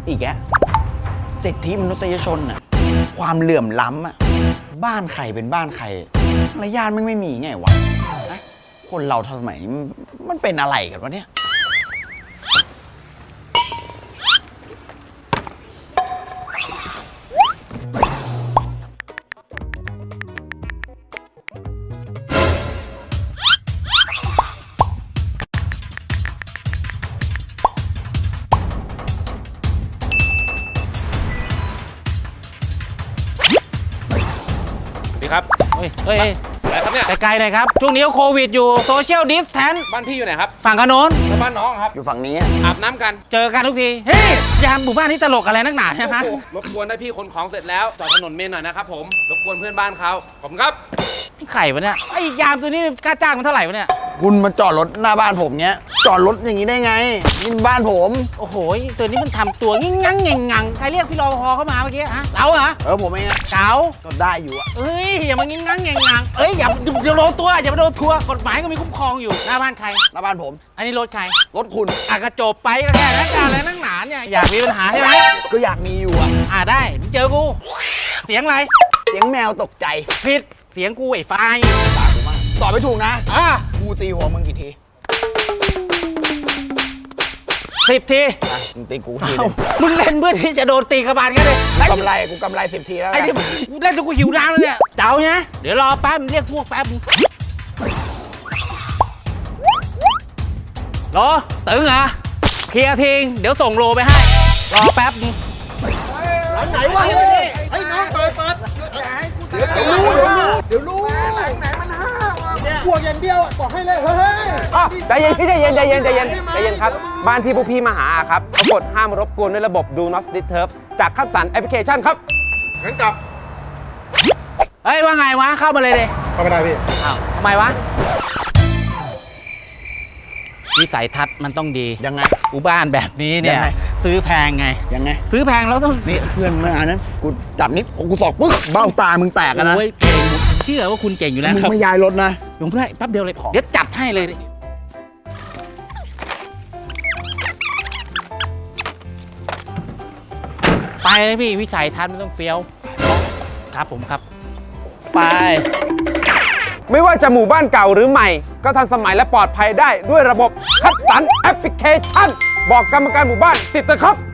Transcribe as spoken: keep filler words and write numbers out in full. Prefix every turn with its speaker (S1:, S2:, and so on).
S1: อีกแกสิทธิมนุษยชนอะความเหลื่อมล้ำอะบ้านใครเป็นบ้านใครมารยาทมันไม่มีไงวะนะคนเราสมัยนี้มันเป็นอะไรกันวะเนี่ย
S2: ครับเฮ้ยเฮ้ยอะไรครับเนี่ย
S3: ไกลๆหน่อยครับช่วงนี้โควิดอยู่โซเชียลดิสแทนซ์
S2: บ้านพี่อยู่ไหนครับ
S3: ฝั่งขนน
S2: แล้วบ้านน้องครับ
S1: อยู่ฝั่งนี้
S2: อาบน้ำกัน
S3: เจอกันทุกทีเฮ้ยยามหมู่บ้านนี้ตลกอะไรนักหนาใช่ไหม
S2: รบกวนได้พี่ขนของเสร็จแล้วจอดถนนเมนหน่อยนะครับผมรบกวนเพื่อนบ้านเขาขอบคุณครับ
S3: ไข่วะเนี่ยไอ้ยามตัวนี้ค่าจ้างมันเท่าไหร่วะเนี่ย
S1: คุณมาจอดรถหน้าบ้านผมเนี้ยจอดรถอย่างนี้ได้ไงนี่บ้านผม
S3: โอ้โหตัวนี้มันทำตัวงิ้งงังเง่งงังใครเรียกพี่รปภเข้ามาเมื่อกี้ฮะเราเหรอ
S1: เออผมเองอะ
S3: เก๋า
S1: ก็ได้อยู่อะ
S3: เอ้ยอย่ามางิ้งงังเง่งงังเอ้ยอย่าอย่าโดนตัวอย่ามาโดนทัวร์กฎหมายก็มีคุ้มครองอยู่หน้าบ้านใคร
S1: หน้าบ้านผม
S3: อันนี้รถใคร
S1: รถคุณ
S3: อ่ะกระจบไปก็แค่นั้นการอะไรนักหนาเนี่ยอยากมีปัญหาใช่ไหม
S1: ก็อยากมีอยู่อะ
S3: อ่ะได้เจอกูเสียงอะไร
S1: เสียงแมวตกใจ
S3: ผิดเสียงกูไอ้ไฟ
S1: ตากูมากตอบไม่ถูกนะ
S3: อ่ะ
S1: กูตีหัวมึงกี่ที
S3: สิบที
S1: มึงตีกูที
S3: มึงเล่นเพื่อที่จะโดนตีกระบาลกันเลย
S1: กำไรกูกำไรสิบทีแล้ว
S3: ไอ้นี่เล่นจนกูหิวน้ำแล้วเนี่ยเจ้าเนี่ยเดี๋ยวรอแป๊บเรียกพวกแป๊บรอตึงเหรอเคลียร์ทิ้งเดี๋ยวส่งโลไปให้รอแป๊บนึงหลังไหนวะ
S4: ไอ้น้องเปิดเปิดอย่าให้กูเดี๋ยวรู้เดี๋ยวรู้หลังไหนมันห้าวบวกอย่างเดียวบอกให้เลยเฮ้ย
S2: ใจเย็นพี่ใจเย็นใจเย็นใจเย็นใจเย็นครับบ้านที่พวกพี่มาหาครับเขากดห้ามรบกวนด้วยระบบ Do Not Disturb จากคัดสรรแอปพลิเคชันครับ
S4: งั้นกลับ
S3: เฮ้ยว่าไงวะเข้ามาเลยเลย
S4: เข้าไม่ได้พี่
S3: อ้าวทำไมวะวิสัยทัศน์มันต้องดี
S1: ยังไง
S3: อุบ้านแบบนี้เนี่ยซื้อแพงไง
S1: ยังไง
S3: ซื้อแพงแล้วต้อง
S1: นี่เพื่อนเมื่อนั้นกูจับนิดกูสอกปึ๊กเบ้าตามึงแตกกันนะ
S3: โอ้ยเก่งเชื่อว่าคุณเก่งอยู่แล้ว
S1: ครับมึงไม่ย้ายรถนะ
S3: ยงเพื่อนแป๊บเดียวเลยเดี๋ยวจัดให้เลยไปเลยพี่วิสัยทัศน์มันต้องเฟี้ยวครับผมครับไป
S2: ไม่ว่าจะหมู่บ้านเก่าหรือใหม่ก็ทันสมัยและปลอดภัยได้ด้วยระบบคัดสรรแอปพลิเคชันบอกกรรมการหมู่บ้านติดเถอะครับ